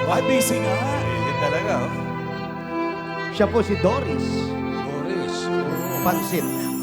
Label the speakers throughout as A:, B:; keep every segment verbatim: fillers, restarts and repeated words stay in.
A: Why busy nga?
B: Eh, talaga, oh.
C: Siya po si Doris
B: Boris.
C: Pansit.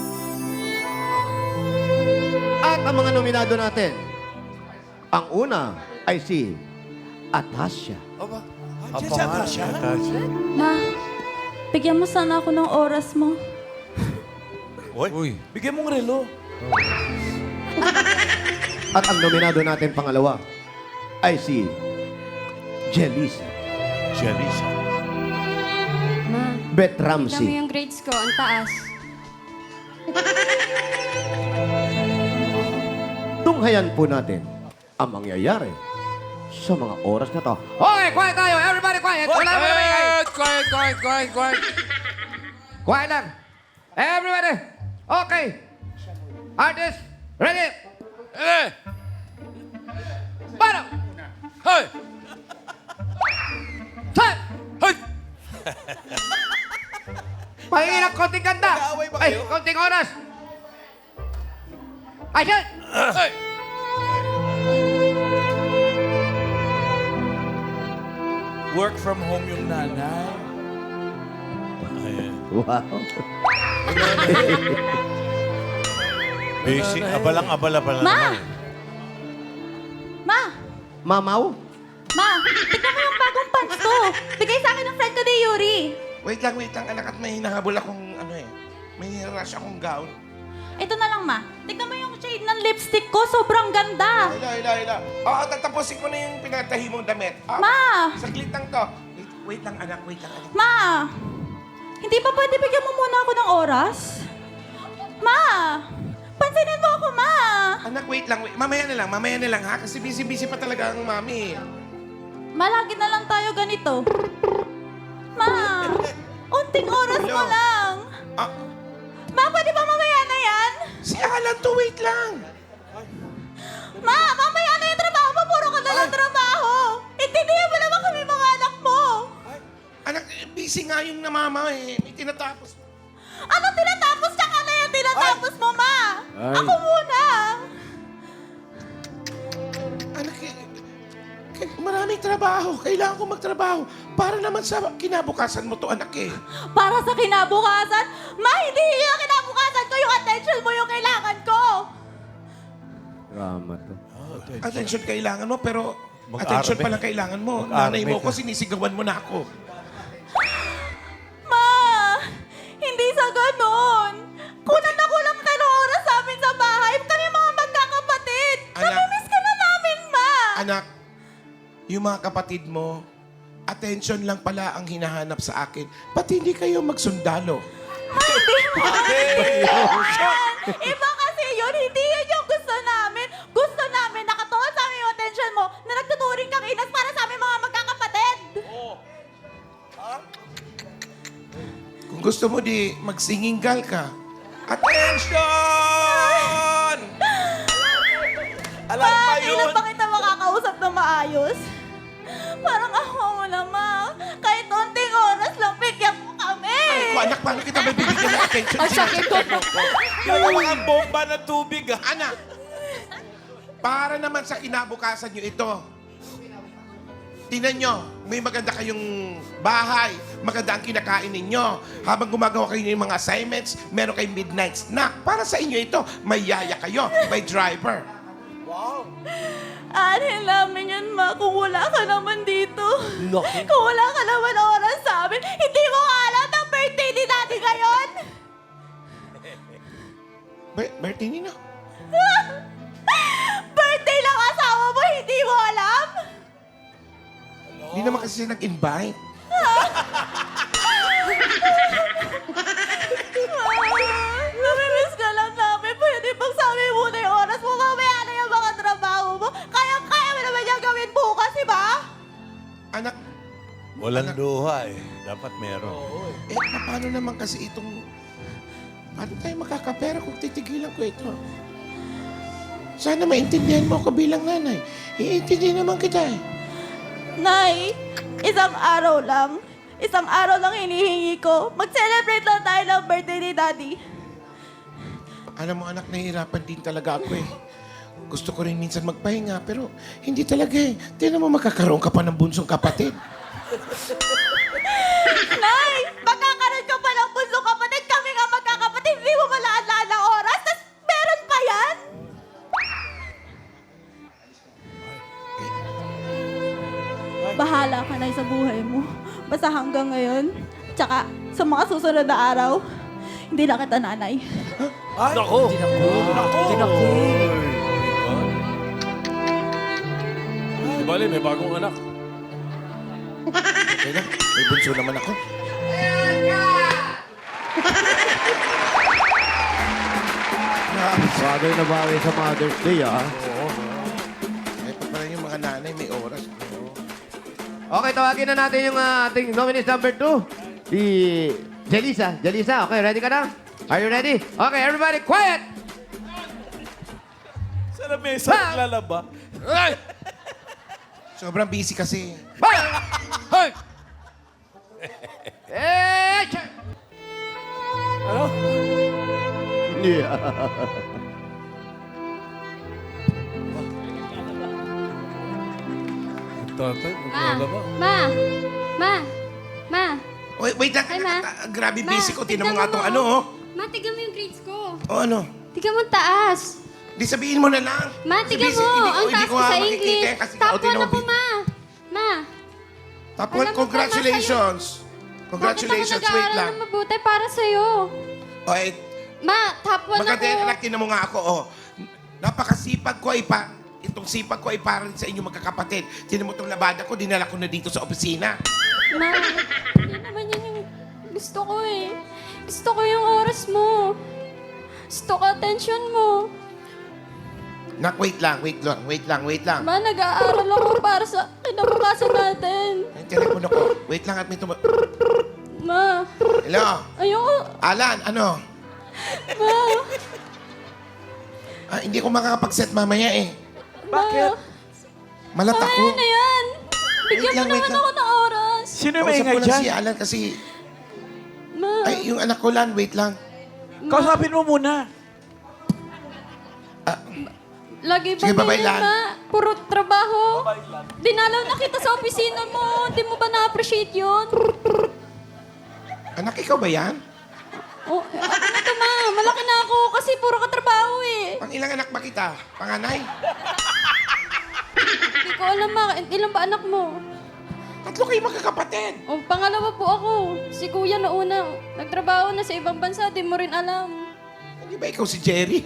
C: At ang mga nominado natin, ang una ay si Atasha.
A: Aba,
B: Apa
A: andiyan siya
B: nga,
A: na siya.
B: Natasha.
D: Ma, bigyan mo sana ako ng oras mo.
B: Uy. Uy.
A: Bigyan mong relo.
C: At ang nominado natin pangalawa ay si Jelisa
B: Jelisa.
E: Ma,
C: Beth
E: alam mo
C: Ramsey.
E: yung grades ko, ang taas.
C: Tunghayan po natin ang mangyayari sa mga oras na to. Okay, quiet tayo! Everybody quiet! Wala mo na maingay!
B: Quiet, quiet, quiet, quiet, quiet.
C: Quiet lang! Everybody! Okay! Artist! Ready!
B: Eh!
C: Para!
B: Hey!
C: Set!
B: Hey!
C: Pahingi ng konting ganda!
A: Nag-aaway ba
C: Ay,
A: kayo?
C: konting oras! Action!
B: Hey!
A: Work from home yung nanay.
B: Ayan.
C: Wow!
B: Busy. Abalang-abala pala
D: Ma!
B: naman. eh.
D: Ma!
C: Mamaw?
D: Ma! Tignan mo yung bagong pants ko. Bigay sa akin ng friend ko ni Yuri.
F: Wait lang, wait lang, anak, at may hinahabol akong, ano eh, may rush akong gown.
D: Ito na lang, Ma. Tignan mo yung shade ng lipstick ko. Sobrang ganda.
F: Hila, hila, hila. Oo, tatapusin ko na yung pinatahi mong damit. Ah,
D: Ma!
F: Saglit lang to. Wait, wait lang, anak, wait lang, anak.
D: Ma! Hindi ba pwede bigyan mo muna ako ng oras? Ma! Pansinin mo ako, Ma!
F: Anak, wait lang, wait. Mamaya na lang, mamaya na lang, ha? Kasi busy-busy pa talaga ang mami.
D: Malagi na lang tayo ganito. Ma! Unting oras mo
F: Hello?
D: lang.
F: Ah,
D: Ma, pwede ba mamaya na yan?
F: si Alan to, wait lang.
D: Ma, mamaya na yung trabaho mo. Puro ka na lang trabaho. Intindihan mo naman kami mga anak mo.
F: Anak, eh, busy nga yung namama eh. May tinatapos.
D: Ano tinatapos ka ka na yung tinatapos mo, Ma?
C: Ay.
D: Ako muna.
F: Anak, eh, eh, maraming trabaho. Kailangan ko magtrabaho. Para naman sa kinabukasan mo to, anak eh.
D: Para sa kinabukasan? Ma, hindi yung kinabukasan ko. Yung attention mo yung kailangan ko.
C: Drama to.
F: Attention kailangan mo, pero
B: Mag-arme.
F: attention pala kailangan mo.
B: Mag-arme
F: Nanay mo
B: ka.
F: ko, sinisigawan mo na ako.
D: Ma, hindi sa ganon. Kunan na kulang ka ng oras sa amin sa bahay. Kami mga magkakapatid.
F: Anak.
D: Namimiss ka na namin, Ma.
F: Anak, yung mga kapatid mo, attention lang pala ang hinahanap sa akin. Pati hindi kayo magsundalo.
D: Iba kasi yun, hindi yun yung gusto namin. Gusto namin, nakatuon sa amin yung attention mo na nagtuturing kang inas para sa aming mga magkakapatid.
F: Kung gusto mo di, magsinginggal ka. Attention!
A: Alam
D: Ma,
A: pa
D: kailan
A: yun.
D: ba kita makakausap na maayos? Parang ako mo na, Ma. Kahit unting oras lang, bigyan mo kami.
F: Ay ko, anak, paano kita may bibigyan ng attention?
D: Ang sakit ko.
A: Yung mga bomba ng tubig, ah.
F: Anak, para naman sa kinabukasan nyo ito. Tingnan nyo, may maganda kayong bahay, maganda ang kinakain ninyo. Habang gumagawa kayo ng mga assignments, meron kayong midnight snack. Para sa inyo ito, may yaya kayo, may driver.
D: Anhin namin yun, Ma, kung wala ka naman dito.
A: Laki.
D: Kung wala ka naman oras sa amin, hindi mo ka alam ng birthday ni Daddy ngayon.
F: Ber- Bertie, Nino?
D: Birthday ng asawa mo, hindi mo alam?
F: Hindi naman kasi siya nag-invite.
D: Ma, namimiss ka lang namin. Pwede bang sabi muna yung oras mo, mamaya na yung mga trabaho mo. Kaya-kaya mo naman yung gawin bukas, di ba?
F: Anak,
B: Walang luha eh. Dapat meron.
F: eh, paano naman kasi itong... Paano tayo makakapera kung titigilan ko ito? Sana maintindihan mo ako bilang nanay. Iintindihan naman kita eh.
D: Nay, isang araw lang. Isang araw lang hinihingi ko. Mag-celebrate lang tayo ng birthday ni Daddy.
F: Alam mo anak, nahihirapan din talaga ako eh. Gusto ko rin minsan magpahinga, pero hindi talaga eh. Tingnan mo, magkakaroon ka pa ng bunsong kapatid.
D: Nay, magkakaroon ka pa ng bunso kapatid. Kami nga magkakapatid. Hindi mo malaalala oras. Tapos meron pa yan? Bahala ka na sa buhay mo. Basta hanggang ngayon, tsaka sa mga susunod na araw, hindi na kita nanay.
A: Ay, Nako! Nako! Nako!
B: Di bali, may bagong anak.
F: Okay lang, may bunso naman ako.
C: Bagay na bagay sa Mother's Day, ah.
F: Ay, pa pala yung mga nanay, may oras.
C: Okay, tawagin na natin yung ah, ating nominees number two. Si Jelisa. Jelisa, okay, ready ka na? Are you ready? Okay, everybody, quiet!
A: Sa lamesa naglalaba.
B: Ay!
F: Sobrang busy kasi.
B: Hoy!
C: Eh, check!
A: Ano?
C: Yeah.
B: Tatay,
E: Ma,
B: maglalaba.
E: ma, ma, ma.
F: Wait, wait lang.
E: Ay, ma.
F: Ah, Grabe
E: Ma,
F: busy ko. Tingnan mo
E: tignan
F: nga
E: mo
F: itong
E: mo.
F: ano, oh.
E: Ma, tigan mo yung grades ko.
F: O ano?
E: Tigan mo ang taas.
F: Di sabihin mo na lang.
E: Ma,
F: Kasi
E: tigan
F: busy,
E: mo.
F: hindi
E: Ang
F: hindi
E: taas ko
F: nga
E: sa
F: makikita
E: English.
F: yan kasi
E: Top
F: ikaw
E: one
F: tinawag-
E: ako, ma. Ma.
F: Top
E: Alam
F: one,
E: mo,
F: congratulations. Congratulations,
E: Bakit ako
F: wait
E: nag-aaral
F: lang.
E: ng mabuti para sa'yo?
F: O, eh,
E: Ma, top one
F: maganda
E: ako.
F: yung anak, tinan mo nga ako, oh. Napakasipag ko ay pa, itong sipag ko ay para rin sa inyo magkakapatid. Tinan mo itong labada ko, dinala ko na dito sa opisina.
E: Ma, hindi naman yun yung gusto ko eh. Gusto ko yung oras mo. Gusto ko attention mo.
F: Nak, wait lang, wait lang, wait lang, wait lang.
E: Ma, nag-aaral ako para sa kinabukasan natin.
F: Yung telepono ko, wait lang at may tuma...
E: Ma,
F: Hello?
E: ayoko.
F: Alan, ano?
E: Ma,
F: Ah, hindi ko makakapag-set mamaya eh.
A: Bakit?
F: Malat ako.
E: Ano na yan? Bigyan
F: Wait lang,
E: mo
F: wait
E: naman
F: lang.
E: ako ng oras.
A: Sino yung
F: Kausap
A: maingay
F: ko lang
A: dyan?
F: si Alan kasi...
E: Ma,
F: Ay, yung anak ko lang, wait lang.
A: Kausapin mo muna.
E: lagi ba
F: Sige, bye-bye,
E: ganyan,
F: Lan.
E: ma? Puro trabaho. Dinalaw na kita sa opisina mo. Di mo ba na-appreciate yun?
F: Anak, ikaw ba yan?
E: Oh, ako na to, ma. Malaki na ako kasi puro ka trabaho eh.
F: Pang ilang anak ba kita? Panganay?
E: Hindi ko alam, ma. Ilan ba anak mo?
F: Tatlo kayo magkakapatid.
E: O, pangalawa po ako. Si kuya na una. Nagtrabaho na sa ibang bansa. Di mo rin alam.
F: Hindi ba ikaw si Jerry?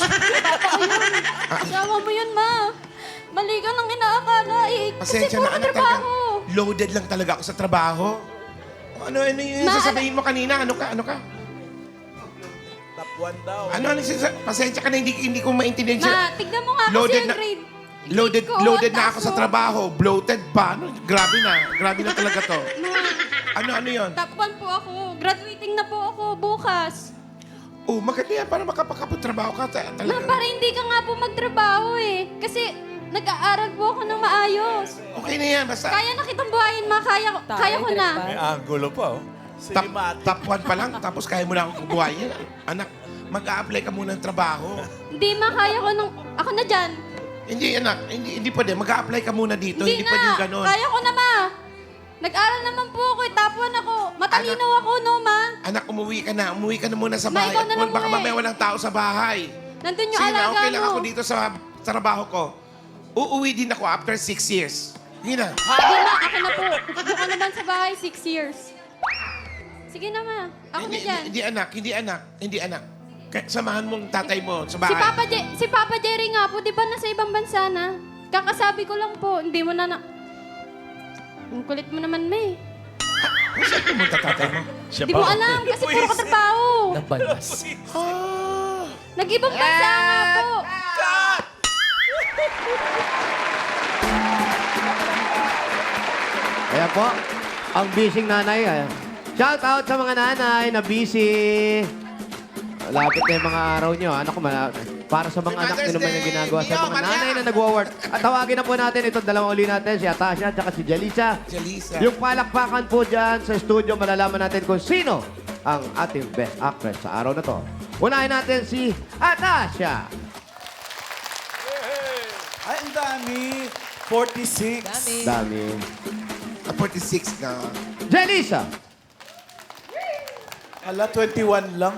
E: Asawa mo yun, ma. Mali ka nang inaakala eh. Kasi
F: Pasensya
E: puro
F: na, anak,
E: trabaho.
F: talaga. Loaded lang talaga ako sa trabaho. Ano, ano yung
E: Ma,
F: sasabihin mo kanina? Ano ka, ano ka?
A: Top one daw.
F: Ano, ano, sisa- pasensya ka na, hindi, hindi ko maintindihan siya.
E: Ma, tignan mo nga
F: Loaded
E: kasi ang
F: na-
E: grade.
F: Loaded,
E: Grade ko,
F: loaded na
E: taas
F: ako sa
E: mo.
F: trabaho. Bloated pa. Ano, grabe na. Grabe na talaga to.
E: Ma,
F: Ano, ano yon?
E: top one po ako. Graduating na po ako bukas.
F: Oh, maganda yan para makapagkapatrabaho ka. Ta-
E: Ma,
F: talaga.
E: para hindi ka nga po magtrabaho eh. Kasi nag-aaral po ako ng maayos.
F: Okay na yan, basta.
E: Kaya na kitang buhayin, ma. Kaya, ko- kaya ko na.
B: May angulo pa, oh.
F: Top,
A: Cinematic.
F: top one pa lang, tapos kaya mo na akong kubuhayin. Anak, mag-a-apply ka muna ng trabaho.
E: Hindi, ma. Kaya ko nung... Ako na dyan.
F: Hindi, anak, hindi, hindi pwede. Mag-a-apply ka muna dito. Hindi,
E: Hindi
F: pwede
E: na.
F: yung ganun.
E: Kaya ko na, ma. Nag-aral naman po ako. Eh. Top one ako. Matalino ako, no, ma.
F: Anak, umuwi ka na. Umuwi ka na muna sa
E: Ma,
F: bahay.
E: ikaw na
F: At
E: lang
F: baka
E: umuwi.
F: mamaya walang tao sa bahay.
E: Nandun yung
F: Sige na,
E: alaga
F: okay lang
E: mo.
F: ako dito sa trabaho ko. Uuwi din ako after six years. Sige na.
E: Hindi, ma. Ako na po. Doon ka naman sa bahay, six years. Sige na, ma. Ako
F: hindi,
E: na dyan.
F: hindi, hindi, anak, hindi anak, hindi anak. Kaya samahan mong tatay mo sa bahay.
E: Si Papa, Je- si Papa Jerry nga po, di ba nasa ibang bansa na? Kakasabi ko lang po, hindi mo na na... Ang kulit mo naman, May.
F: Saan pumunta tatay mo?
E: Hindi mo alam kasi puro katrabaho.
F: Ah,
E: Nag-ibang bansa nga po.
C: Ayan po, ang busy nanay. Ayan. Shout out sa mga nanay na busy. Lapit na yung mga araw nyo. Ano ko, para sa mga
F: Happy
C: anak nyo naman yung
F: Mother's
C: ginagawa
F: Day!
C: sa mga
F: Maria!
C: nanay na nagwo-work. At tawagin na po natin itong dalawang uli natin, si Atasha at si Jalisa.
F: Jalisa.
C: Yung palakpakan po dyan sa studio, malalaman natin kung sino ang ating best actress sa araw na to. Unahin natin si Atasha.
A: dami. forty-six.
C: Dami.
F: Ah, forty-six ka.
C: Jelisa.
A: Ala, twenty-one lang.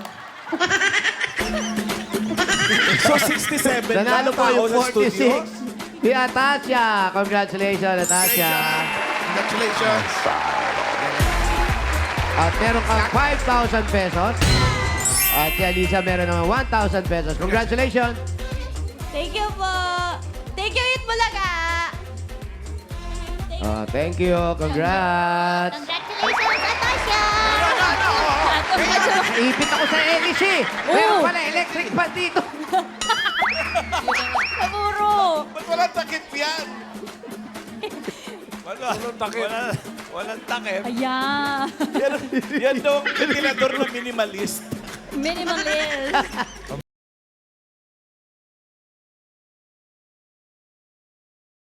A: So, sixty-seven lang
C: Nanalo po yung
A: tao sa studio.
C: forty-six. Si Atasha. Congratulations, Atasha.
F: Congratulations.
C: At meron kang five thousand pesos. At si Alisa meron naman one thousand pesos. Congratulations.
D: Thank you po. Thank you, Eat Bulaga.
C: Oh, thank you. Congrats.
E: Congratulations, Natasha!
C: Ipit ako sa Elis eh. Meron pala electric fan dito.
D: Siguro.
A: Ba't walang takip yan? Wala. Walang takip. Wala, walang takip.
D: Ayan.
A: Yan, yan daw ang ventilador na minimalist.
D: Minimalist.